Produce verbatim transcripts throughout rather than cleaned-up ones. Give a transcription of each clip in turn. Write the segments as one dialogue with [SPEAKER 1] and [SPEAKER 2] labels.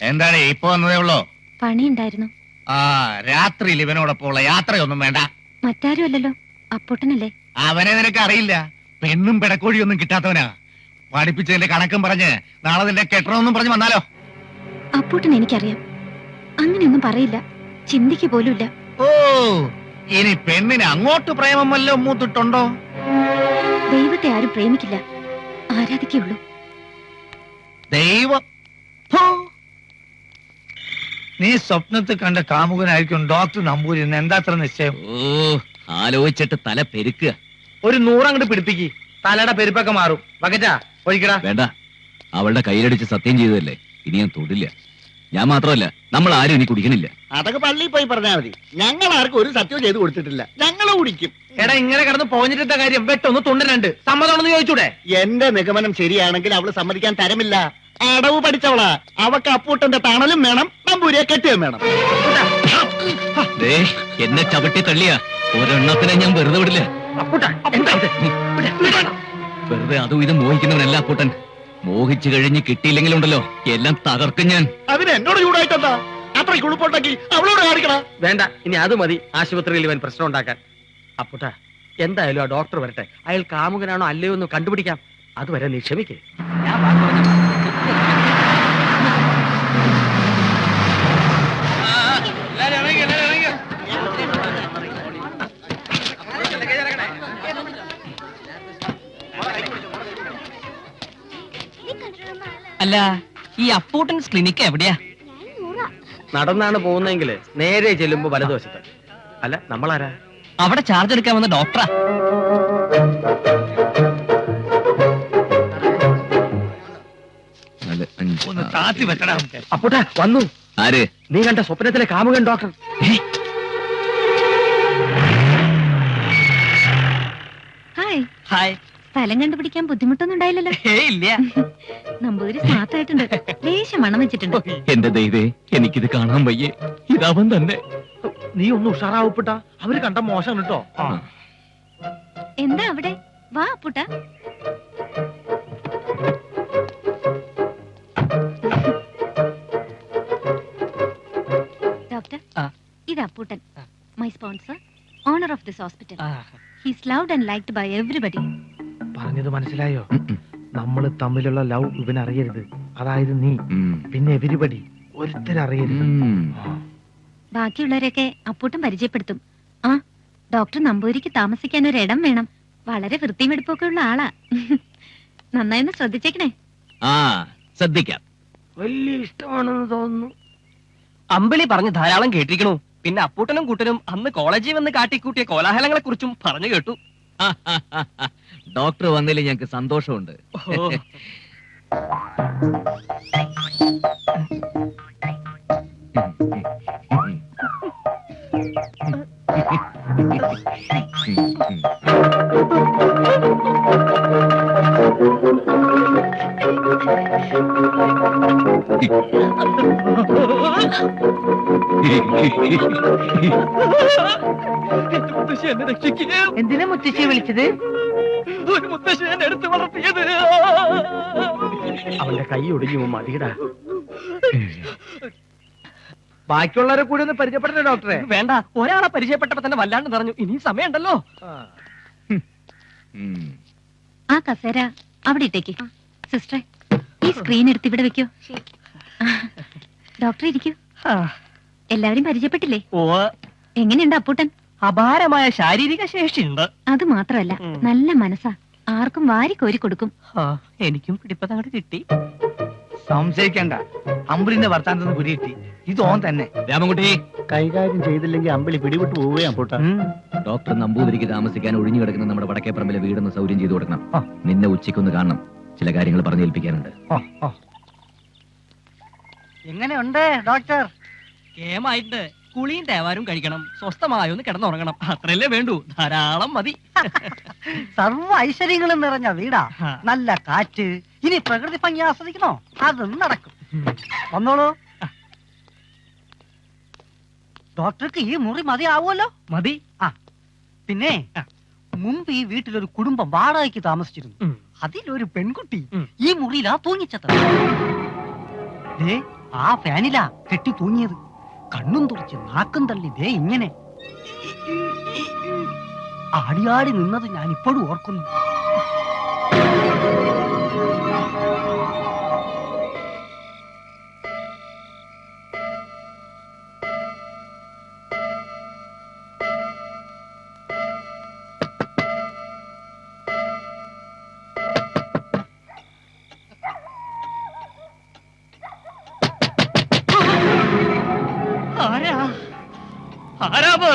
[SPEAKER 1] എന്താണ് ഇപ്പൊ വന്നതേ ഉള്ളോ?
[SPEAKER 2] പണി ഉണ്ടായിരുന്നു.
[SPEAKER 1] ആ രാത്രിയിൽ ഇവനോടൊപ്പമുള്ള യാത്രയൊന്നും വേണ്ട.
[SPEAKER 2] മറ്റാരും അല്ലല്ലോ, അപ്പൂട്ടനല്ലേ.
[SPEAKER 1] അവനെ നിനക്ക് അറിയില്ല. പെണ്ണും പിടക്കോഴിയൊന്നും കിട്ടാത്തവനാ. പഠിപ്പിച്ചതിന്റെ കണക്കും പറഞ്ഞ് നാളെ നിന്റെ കെട്ടണമെന്നും പറഞ്ഞ് വന്നാലോ?
[SPEAKER 2] അപ്പൂട്ടൻ എനിക്കറിയാം, അങ്ങനെയൊന്നും പറയില്ല, ചിന്തിക്ക് പോലുമില്ല.
[SPEAKER 1] ഓ ഇനി പെണ്ണിന് അങ്ങോട്ട് പ്രേമം വല്ലതും മൂത്തിട്ടുണ്ടോ?
[SPEAKER 2] ദൈവത്തെ ആരും പ്രേമിക്കില്ല, ആരാധിക്കുള്ളൂ.
[SPEAKER 1] ദൈവം
[SPEAKER 3] നീ സ്വപ്നത്തിൽ കണ്ട കാമുകനായിരിക്കും ഡോക്ടർ നമ്പൂരി എന്ന് എന്താ അത്ര നിശ്ചയം?
[SPEAKER 4] ഓ ആലോചിച്ചിട്ട് തല പെരുക്കുക.
[SPEAKER 3] ഒരു നൂറങ്ങോട്ട് പിടിപ്പിക്ക്, തലയുടെ പെരുപ്പൊക്കെ മാറും. ബക്കറ്റാ ഒഴിക്കടാ.
[SPEAKER 4] വേണ്ട, അവളുടെ കയ്യിലടിച്ച് സത്യം ചെയ്തതല്ലേ, ഇനി ഞാൻ തൊടില്ല. ഞാൻ മാത്രമല്ല, നമ്മൾ ആരും ഇനി കുടിക്കണില്ല.
[SPEAKER 5] അതൊക്കെ പള്ളിയിൽ പോയി പറഞ്ഞാൽ മതി. ഞങ്ങൾ ആർക്കും ഒരു സത്യവും ചെയ്ത് കൊടുത്തിട്ടില്ല. ഞങ്ങൾ കുടിക്കും.
[SPEAKER 3] എടാ ഇങ്ങനെ കിടന്ന് പോഞ്ഞിട്ട കാര്യം വെട്ടൊന്ന് തുണ്ടനുണ്ട്, സമ്മതമാണെന്ന് ചോദിച്ചൂടെ?
[SPEAKER 5] എന്റെ നിഗമനം ശരിയാണെങ്കിൽ അവള് സമ്മതിക്കാൻ തരമില്ല. അടവ് പഠിച്ചവളാ. അവക്ക് അപ്പൂട്ടന്റെ തണലും വേണം, നമ്പൂരിയെ കെട്ടിയും വേണം.
[SPEAKER 4] എന്നെ ചവിട്ടി തള്ളിയ ഒരെണ്ണത്തിനെ ഞാൻ വെറുതെ വിടില്ല. വെറുതെ അതും ഇത് മോഹിക്കുന്നവനല്ല അപ്പൂട്ടൻ. മോഹിച്ചു കഴിഞ്ഞ് കിട്ടിയില്ലെങ്കിലുണ്ടല്ലോ എല്ലാം തകർക്കും ഞാൻ.
[SPEAKER 5] അതിന് എന്നോട് ചൂടായിട്ടെന്താ? അത്ര കുളിപ്പുണ്ടാക്കി അവളോട് കാണിക്കണ.
[SPEAKER 3] വേണ്ട, ഇനി അത് മതി ആശുപത്രിയിൽ ഇവൻ പ്രശ്നം ഉണ്ടാക്കാൻ. അപ്പൂട്ട എന്തായാലും ആ ഡോക്ടർ വരട്ടെ, അയാൾ കാമുകനാണോ അല്ലയോ എന്ന് കണ്ടുപിടിക്കാം. അതുവരെ നീ ക്ഷമിക്കേ.
[SPEAKER 6] അല്ല, ഈ അപ്പൂട്ടൻസ് ക്ലിനിക്ക് എവിടെയാ?
[SPEAKER 3] നടന്നാണ് പോകുന്നെങ്കിൽ നേരെ ചെല്ലുമ്പോ വലതുവശത്ത്. അല്ല, നമ്മളാരാ?
[SPEAKER 6] അവിടെ ചാർജ് എടുക്കാൻ വന്ന ഡോക്ടറാ.
[SPEAKER 3] ഒന്ന് താത്തി വെച്ചടാ. അപ്പൂട്ടാ വന്നു.
[SPEAKER 4] ആര്?
[SPEAKER 3] നീ കണ്ട സ്വപ്നത്തിലെ കാമുകൻ ഡോക്ടർ.
[SPEAKER 2] ഹായ്.
[SPEAKER 6] ഹായ്.
[SPEAKER 2] സ്ഥലം കണ്ടുപിടിക്കാൻ ബുദ്ധിമുട്ടൊന്നും ഉണ്ടായില്ലല്ലോ?
[SPEAKER 6] ഇല്ല.
[SPEAKER 2] നമ്പൂതിരി സ്മാർട്ട് ആയിട്ടുണ്ട്, ലേശം മണം വെച്ചിട്ടുണ്ട്.
[SPEAKER 4] എന്റെ ദൈവേ, എനിക്കിത് കാണാൻ വയ്യേ. ഇതവൻ തന്നെ.
[SPEAKER 3] നീ ഒന്ന് ഉഷാറാവപ്പെട്ട, അവര് കണ്ട മോശം കേട്ടോ.
[SPEAKER 2] എന്താ അവിടെ? വാ അപ്പൂട്ട. ഡോക്ടർ, ഇത് Apputtan, my sponsor, owner of this hospital. He's loved and liked by everybody.
[SPEAKER 3] പറഞ്ഞത് മനസ്സിലായോ? നമ്മള് തമ്മിലുള്ള ലവ് ഇവനറിയരുത്. അതായത് നീ പിന്നെ എവരിബഡി ഒരുത്തരറിയരുത്.
[SPEAKER 2] ബാക്കിയുള്ളവരെയൊക്കെ അപ്പൂട്ടൻ പരിചയപ്പെടുത്തും. ആ ഡോക്ടർ നമ്പൂരിക്ക് താമസിക്കാൻ ഒരു ഇടം വേണം. വളരെ വൃത്തിയും വെടുപ്പൊക്കെ ഉള്ള ആളാ. നന്നായി ഒന്ന് ശ്രദ്ധിച്ചേക്കണേ.
[SPEAKER 4] ആ ശ്രദ്ധിക്കാം.
[SPEAKER 3] വലിയ ഇഷ്ടമാണെന്ന് തോന്നുന്നു.
[SPEAKER 6] അമ്പിളി പറഞ്ഞ് ധാരാളം കേട്ടിരിക്കണു. പിന്നെ അപ്പൂട്ടനും കൂട്ടനും അന്ന് കോളേജിൽ വന്ന് കാട്ടിക്കൂട്ടിയ കോലാഹലങ്ങളെ കുറിച്ചും പറഞ്ഞു കേട്ടു.
[SPEAKER 4] ഡോക്ടർ വന്നതിൽ ഞങ്ങൾക്ക് സന്തോഷമുണ്ട്.
[SPEAKER 6] എന്തിനാ മുത്തശ്ശിയെ വിളിച്ചത്? ഒരു മുത്തശ്ശി എന്നെ എടുത്ത് വളർത്തിയത്.
[SPEAKER 3] അവന്റെ കൈ ഒടിഞ്ഞു മതിടാ. ബാക്കിയുള്ളവരെ കൂടി ഒന്ന് പരിചയപ്പെട്ട ഡോക്ടറെ.
[SPEAKER 6] വേണ്ട, ഒരാളെ പരിചയപ്പെട്ടപ്പോ തന്നെ വല്ലാണ്ട് പറഞ്ഞു. ഇനി സമയമുണ്ടല്ലോ.
[SPEAKER 2] ആ കസേര അവിടെ ഇട്ടേക്ക്. സിസ്റ്ററെ, ഈ സ്ക്രീൻ എടുത്ത് ഇവിടെ വെക്കോ. ഡോക്ടർ ഇരിക്കൂ. എല്ലാവരും പരിചയപ്പെട്ടില്ലേ?
[SPEAKER 6] ഓ,
[SPEAKER 2] എങ്ങനെയുണ്ട് അപ്പൂട്ടൻ?
[SPEAKER 6] അപാരമായ ശാരീരിക ശേഷിയുണ്ട്.
[SPEAKER 2] അത് മാത്രമല്ല, നല്ല മനസ്സാ, ആർക്കും വാരി കോരി കൊടുക്കും.
[SPEAKER 6] എനിക്കും പിടിപ്പതങ്ങോട്ട് കിട്ടി.
[SPEAKER 3] സംശയിക്കണ്ട, അമ്പിളിന്റെ വർത്താനത്തിന് പിടികിട്ടി. ഇത് ഓൻ തന്നെ.
[SPEAKER 4] രാമൻകുട്ടി,
[SPEAKER 5] കൈകാര്യം ചെയ്തില്ലെങ്കിൽ അമ്പിളി പിടിവിട്ട് പോവുകയാണ് പൂട്ട.
[SPEAKER 4] ഡോക്ടർ നമ്പൂതിരിക്ക് താമസിക്കാൻ ഒഴിഞ്ഞു കിടക്കുന്ന നമ്മുടെ വടക്കേപ്പറമ്പിലെ വീടൊന്ന് സൗകര്യം ചെയ്തു കൊടുക്കണം. നിന്നെ ഉച്ചയ്ക്കൊന്ന് കാണണം, ചില കാര്യങ്ങൾ പറഞ്ഞേൽപ്പിക്കാനുണ്ട്.
[SPEAKER 6] എങ്ങനെയുണ്ട് ഡോക്ടർ? കേമായിട്ട് കുളിയും തേവാരും കഴിക്കണം, സ്വസ്ഥമായൊന്ന് കിടന്നുറങ്ങണം. അത്രയല്ലേ വേണ്ടൂ, ധാരാളം മതി.
[SPEAKER 7] സർവ്വ ഐശ്വര്യങ്ങളും നിറഞ്ഞ വീടാ, നല്ല കാറ്റ്. ഇനി പ്രകൃതി ഭംഗി ആസ്വദിക്കണോ? അതും നടക്കും. വന്നോളൂ. ഡോക്ടർക്ക് ഈ മുറി മതിയാവുമല്ലോ?
[SPEAKER 6] മതി.
[SPEAKER 7] ആ പിന്നെ മുമ്പ് ഈ വീട്ടിലൊരു കുടുംബം വാടകയ്ക്ക് താമസിച്ചിരുന്നു. അതിലൊരു പെൺകുട്ടി ഈ മുറിയിലാ തൂങ്ങിച്ചത്. ആ ഫാനിലാ കെട്ടി തൂങ്ങിയത്. കണ്ണും തുറച്ച് നാക്കും തള്ളി ദേ ഇങ്ങനെ ആടിയാടി നിന്നത് ഞാൻ ഇപ്പോഴും ഓർക്കുന്നു.
[SPEAKER 6] ആരാ ആരാവ്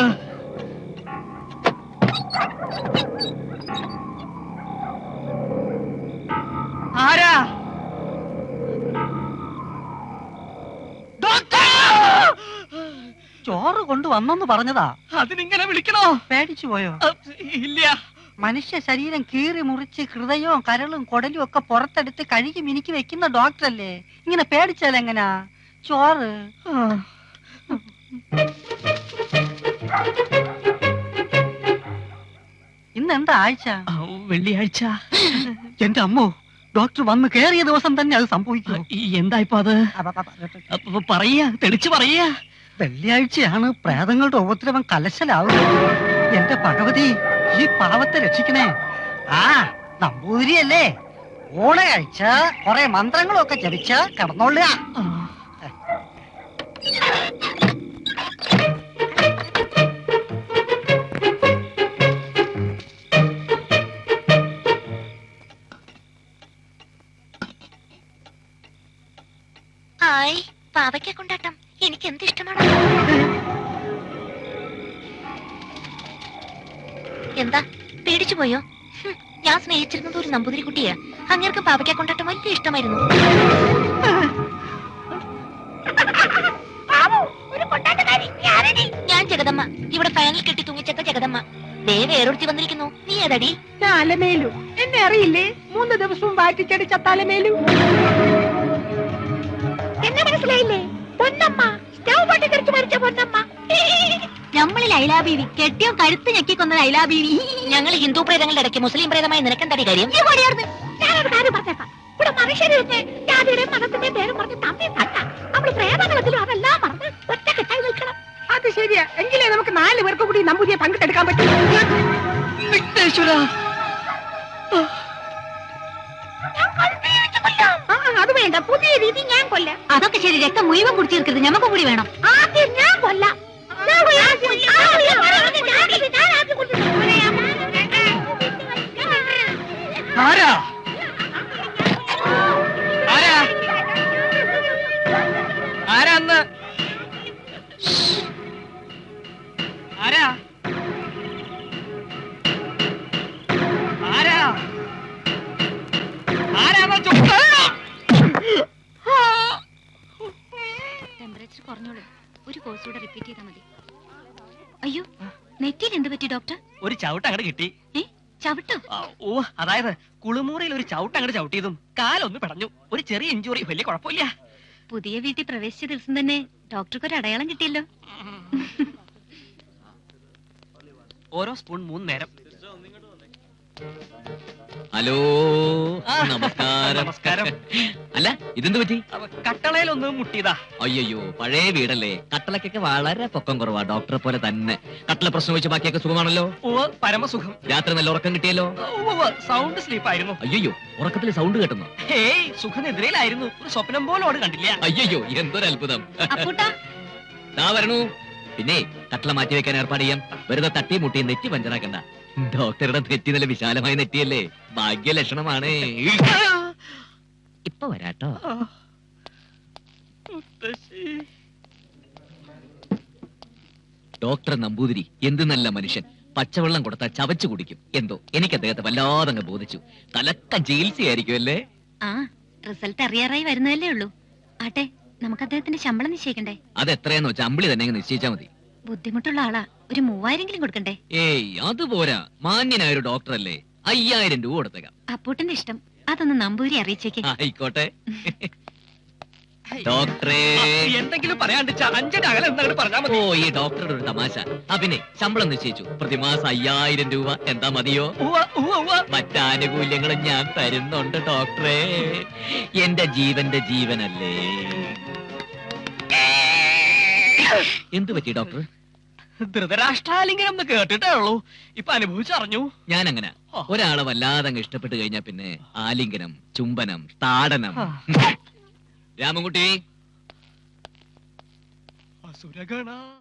[SPEAKER 6] ആരാ
[SPEAKER 7] ചോറ് കൊണ്ടുവന്നെന്ന് പറഞ്ഞതാ.
[SPEAKER 6] അതിനിങ്ങനെ വിളിക്കണോ?
[SPEAKER 7] പേടിച്ചു പോയോ?
[SPEAKER 6] ഇല്ല.
[SPEAKER 7] മനുഷ്യ ശരീരം കീറി മുറിച്ച് ഹൃദയവും കരളും കൊടലും ഒക്കെ പുറത്തെടുത്ത് കഴുകി മിനുക്കി വെക്കുന്ന ഡോക്ടറല്ലേ, ഇങ്ങനെ പേടിച്ചാൽ എങ്ങനാ? ചോറ് ഇന്ന് എന്താ ആഴ്ച?
[SPEAKER 6] വെള്ളിയാഴ്ച.
[SPEAKER 7] എന്റെ അമ്മോ, ഡോക്ടർ വന്ന് കേറിയ ദിവസം തന്നെ അത് സംഭവിക്കും.
[SPEAKER 6] എന്താ ഇപ്പൊ അത്? പറയാ, തെളിച്ചു പറയാ.
[SPEAKER 7] വെള്ളിയാഴ്ചയാണ് പ്രേതങ്ങളുടെ ഉപദ്രവം കലശലാവുന്നത്. എന്റെ ഭഗവതി, ഈ പാവത്തെ രക്ഷിക്കണേ. ആ നമ്പൂതിരിയല്ലേ, ഓണ കഴിച്ച കൊറേ മന്ത്രങ്ങളൊക്കെ ജപിച്ച കിടന്നോളുക.
[SPEAKER 2] ഹായ്, പാവയ്ക്ക കൊണ്ടാട്ടം എനിക്ക് എന്ത് ഇഷ്ടമാണ്. എന്താ പേടിച്ചു പോയോ? ഞാൻ സ്നേഹിച്ചിരുന്നത് ഒരു നമ്പൂതിരി കുട്ടിയാ. അങ്ങേർക്ക് പാവയ്ക്ക കൊണ്ടാട്ടം വലിയ ഇഷ്ടമായിരുന്നു. ഞാൻ ജഗദമ്മ, ഇവിടെ ഫാനിൽ കെട്ടി തൂങ്ങിച്ചത്ത ജഗദമ്മ. ദേ വേറൊരുത്തി വന്നിരിക്കുന്നു. നീ ഏതടി?
[SPEAKER 8] അലമേലു. എന്നെ അറിയില്ലേ? മൂന്ന് ദിവസവും വാറ്റിച്ചടിച്ച തലമേലു. എന്നെ മനസ്സിലായില്ലേ? പൊന്നമ്മ, സ്റ്റൗ പൊട്ടിത്തെറിച്ച് മരിച്ച പൊന്നമ്മ.
[SPEAKER 2] നമ്മൾ ലൈലാബീവി, കെട്ടിയോ കഴുത്ത് ഞെക്കിക്കൊന്ന ലൈലാബീവി. ഞങ്ങൾ ഹിന്ദു പ്രേതങ്ങളുടെ ഇടയ്ക്ക് മുസ്ലിം പ്രേതമായി നിനക്കെന്താടി കാര്യം?
[SPEAKER 8] ഞാനൊരു കാര്യം പറഞ്ഞേക്കാം. ഇവിടെ മനുഷ്യരുടെ ജാതിയുടെയും മതത്തിന്റെയും പേരും പറഞ്ഞ് തമ്മി തട്ട. നമ്മൾ പ്രേതങ്ങളത്തിലും അതെല്ലാം പറഞ്ഞ് ഒറ്റക്കെട്ടായി നിൽക്കണം. അത് ശരിയാ. എങ്കിലേ നമുക്ക് നാല് പേർക്ക് കൂടി നമ്പൂതിയെ പങ്കിട്ടെടുക്കാൻ പറ്റും. അത് വേണ്ട, പുതിയ രീതി ഞാൻ കൊല്ലാം.
[SPEAKER 2] അതൊക്കെ ശരി, രക്തം മുഴുവൻ കുടിച്ചു തീർക്കരുത്, ഞമ്മക്ക് കൂടി വേണം.
[SPEAKER 8] ആദ്യം ഞാൻ കൊല്ലാം.
[SPEAKER 6] ആരാ ആരാ ആരാന്ന് ആരാ ആരാ ആരാ
[SPEAKER 2] ടെമ്പറേച്ചർ കുറഞ്ഞോളൂ. ഒരു കോഴ്സ് കൂടെ റിപ്പീറ്റ് ചെയ്താൽ മതി. അയ്യോ, നെറ്റിയിൽ എന്ത് പറ്റി ഡോക്ടർ?
[SPEAKER 6] ഒരു ചവിട്ട് അങ്ങോട്ട് കിട്ടി.
[SPEAKER 2] ഏ, ചവിട്ടോ?
[SPEAKER 6] ഓ, അതായത് കുളിമുറിയിൽ ഒരു ചവിട്ട് അങ്ങോട്ട് ചവിട്ടിയതും കാലൊന്ന് പിടഞ്ഞു. ഒരു ചെറിയ ഇഞ്ചുറി, വലിയ കുഴപ്പമില്ല.
[SPEAKER 2] പുതിയ വീട്ടിൽ പ്രവേശിച്ച ദിവസം തന്നെ ഡോക്ടർക്ക് ഒരു അടയാളം കിട്ടിയല്ലോ.
[SPEAKER 6] ഓരോ സ്പൂൺ മൂന്ന് നേരം.
[SPEAKER 4] ഹലോ, നമസ്കാരം.
[SPEAKER 6] നമസ്കാരം.
[SPEAKER 4] അല്ല, ഇതെന്ത് പറ്റി?
[SPEAKER 6] കട്ടളയിലൊന്ന് മുട്ടിയതാ.
[SPEAKER 4] അയ്യോ, പഴയ വീടല്ലേ, കട്ടളക്കൊക്കെ വളരെ പൊക്കം കുറവാ. ഡോക്ടറെ പോലെ തന്നെ. കട്ടള പ്രശ്നം വെച്ച് ബാക്കിയൊക്കെ സുഖമാണല്ലോ?
[SPEAKER 6] ഓ, പരമസുഖം.
[SPEAKER 4] രാത്രി നല്ല ഉറക്കം കിട്ടിയല്ലോ?
[SPEAKER 6] സൗണ്ട് സ്ലീപ്പ് ആയിരുന്നു.
[SPEAKER 4] അയ്യോ, ഉറക്കത്തിൽ സൗണ്ട് കേട്ടുന്നു?
[SPEAKER 6] ഹേയ്, സുഖനിദ്രയിലായിരുന്നു. ഒരു സ്വപ്നം പോലോട് കണ്ടില്ല.
[SPEAKER 4] അയ്യോ, എന്തൊരു അത്ഭുതം. ദാ വരണു. പിന്നെ കട്ടള മാറ്റി വെക്കാൻ ഏർപ്പാട് ചെയ്യാം. വെറുതെ തട്ടി മുട്ടി നെറ്റി പഞ്ചറാക്കണ്ട. ഡോക്ടറുടെ നെറ്റി നല്ല വിശാലമായ നെറ്റിയല്ലേ, ഭാഗ്യലക്ഷണമാണ്. ഇപ്പൊ വരാട്ടോ. ഡോക്ടർ നമ്പൂതിരി എന്ത് നല്ല മനുഷ്യൻ. പച്ചവെള്ളം കൊടുത്താൽ ചവച്ചു കുടിക്കും. എന്തോ എനിക്ക് അദ്ദേഹത്തെ വല്ലാതങ്ങ് ബോധിച്ചു. തലക്ക ചികിത്സയായിരിക്കും അല്ലേ?
[SPEAKER 2] ആ, റിസൾട്ട് അറിയാറായി വരുന്നതല്ലേ ഉള്ളൂ. ആട്ടെ, നമുക്ക് അദ്ദേഹത്തിന്റെ ശമ്പളം നിശ്ചയിക്കണ്ടേ?
[SPEAKER 4] അത് എത്രയെന്ന് വെച്ചാൽ അമ്പിളി തന്നെ നിശ്ചയിച്ചാ മതി.
[SPEAKER 2] ബുദ്ധിമുട്ടുള്ള ആളാ, ഒരു മൂവായിരെങ്കിലും കൊടുക്കണ്ടേ?
[SPEAKER 4] ഏയ്, അതുപോരാ. മാന്യനായ ഒരു ഡോക്ടർ അല്ലേ, അയ്യായിരം രൂപ കൊടുത്തേക്കാം.
[SPEAKER 2] അപ്പൂട്ടന്റെ ഇഷ്ടം. അതൊന്ന് നമ്പൂരി അറിയിച്ചേക്ക്.
[SPEAKER 4] ആയിക്കോട്ടെ. ഡോക്ടറെ,
[SPEAKER 6] എന്തെങ്കിലും പറയാണ്ട് അഞ്ചിന്റെ അകലെ എന്താണ് പറഞ്ഞാൽ മതി.
[SPEAKER 4] ഓ, ഈ ഡോക്ടറുടെ ഒരു തമാശ. ആ പിന്നെ ശമ്പളം നിശ്ചയിച്ചു. പ്രതിമാസം അയ്യായിരം രൂപ. എന്താ മതിയോ? മറ്റാനുകൂല്യങ്ങളും ഞാൻ തരുന്നുണ്ട് ഡോക്ടറെ. എന്റെ ജീവന്റെ ജീവനല്ലേ. എന്ത് പറ്റി ഡോക്ടർ?
[SPEAKER 6] ധൃതരാഷ്ട്രാലിംഗനം എന്ന് കേട്ടിട്ടേ ഉള്ളൂ, ഇപ്പൊ അനുഭവിച്ചറിഞ്ഞു.
[SPEAKER 4] ഞാൻ അങ്ങനെ ഒരാളെ വല്ലാതെ അങ്ങ് ഇഷ്ടപ്പെട്ട് കഴിഞ്ഞാ പിന്നെ ആലിംഗനം, ചുംബനം, താടനം. രാമൻകുട്ടി
[SPEAKER 6] അസുരഗണ